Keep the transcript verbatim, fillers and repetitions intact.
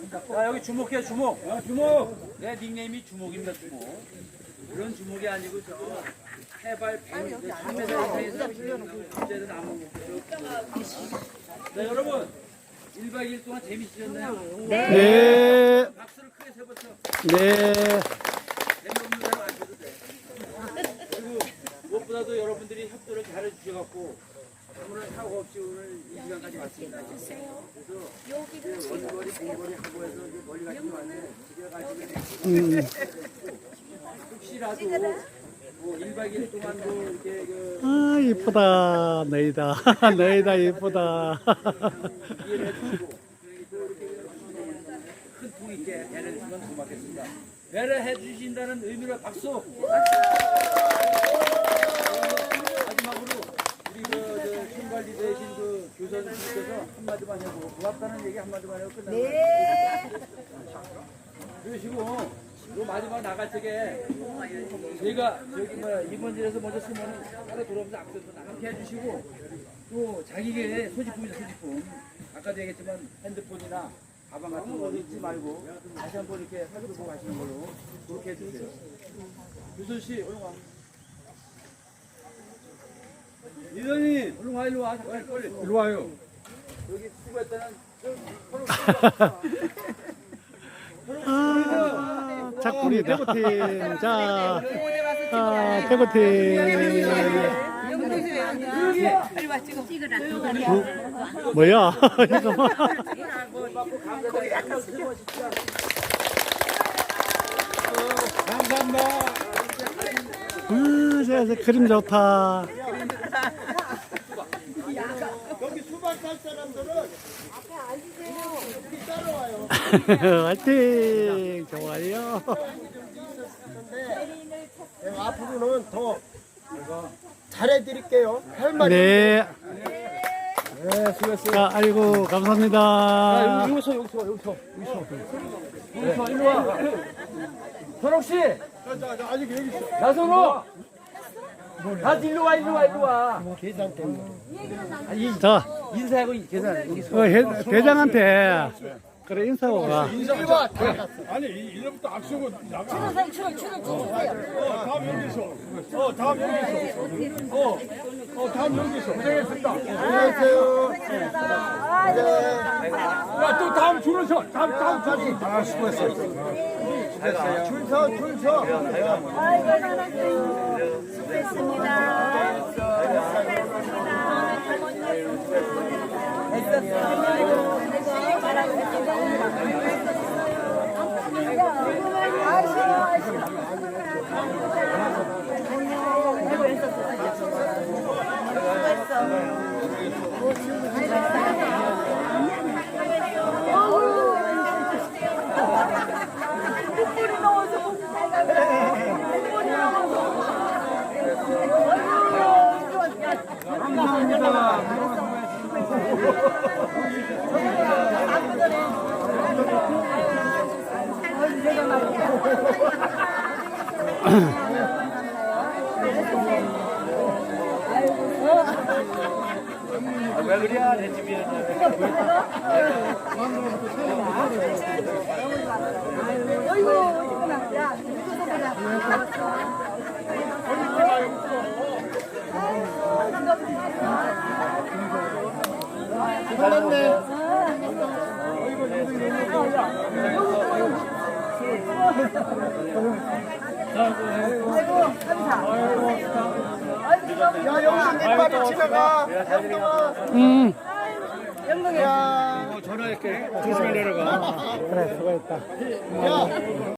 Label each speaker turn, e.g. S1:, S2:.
S1: 자, 여기 주목해, 주목. 어, 주목. 내 닉네임이 주목입니다, 주목. 그런 주목이 아니고, 저, 해발 백 미터, 천 미터 이상에서 문제는 나무 목표. 자, 여러분. 일 박 이 일 동안 재밌으셨나요?
S2: 네. 네.
S1: 박수를 크게 세보죠.
S2: 네.
S1: 재미없는 사람 안 줘도 돼. 그리고 무엇보다도 여러분들이 협조를 잘해주셔갖고 오늘 사고 없이 오늘 이 시간까지 왔습니다. 그래서 원거리, 공거리 하고 해서 이제 멀리 가시면 안 돼. 집에 가시면 혹시라도 뭐 일 박 이 일 동안도 이렇게 그
S2: 아, 이쁘다. 너희다. 너희다, 이쁘다.
S1: 이해를 해주시고 큰 통 있게 배려해 주시면 고맙겠습니다. 배려해 주신다는 의미로 박수! 마지막으로 우리 그, 저, 팀관리 되신 그 교사님께서 한마디만 해보고 고맙다는 얘기 한마디만 하고 끝나는 거예요. 네. 그러시고 요 마지막 나갈 적에 제가 저기 뭐야 이번지에서 먼저 쓰면은 따로 돌아오면서 악수도 함께 해주시고 또 자기의 소지품이죠 소지품 아까도 얘기했지만 핸드폰이나 가방 같은 거 잊지 말고 다시 한번 이렇게 살펴보고 가시는 걸로 그렇게 해주세요. 유선 씨 얼른 와. 이선이 얼른 와 일로 와 빨리 빨리 일로 와요. 여기 수고했다는
S2: 아, 작구리 대구팀. 자, 아, 대구팀. 뭐, 뭐야? 이거 뭐.
S1: 감사합니다.
S2: 아, 저, 저 그림 좋다.
S3: 여기 수박 살 사람들은 앞에 앉으세요. 우리 따라와요.
S2: 화이팅! 좋아요.
S3: 네, 앞으로는 더 잘해드릴게요. 할 말이.
S2: 네.
S3: 네, 수고했어요.
S2: 자, 아이고, 감사합니다.
S1: 여기서 여기서 여기서 여기서 여기서 일로 와. 선옥 씨,
S3: 자, 자, 자, 아직 여기 있어.
S1: 나선호. 다 일로 와 일로 와 일로 와.
S3: 계산 때문에.
S1: 아니
S2: 자,
S1: 인사하고 계산 여기서.
S2: 그 회- 대장한테 그래 인사하고 가.
S3: 인사가 다 갔어.
S4: 아니 이제부터 악수고 나가. 추는 추는 추는 추는. 어 다음 여기서. 어 다음 여기서. 어, 어 다음 여기서. 고생했습니다.
S3: 안녕하세요.
S4: 야또 다음 줄을 서. 다음 다음 줄.
S3: 아, 수고했어요. 줄 서, 줄 서.
S1: 왜 그래야 내 집이야.
S3: 야, 영수 님 빨리 집에 가. 영동아.
S2: 음,
S3: 영동이야.
S1: 전화할게. 조심히 내려가.
S2: 그래, 수고했다.
S3: 야.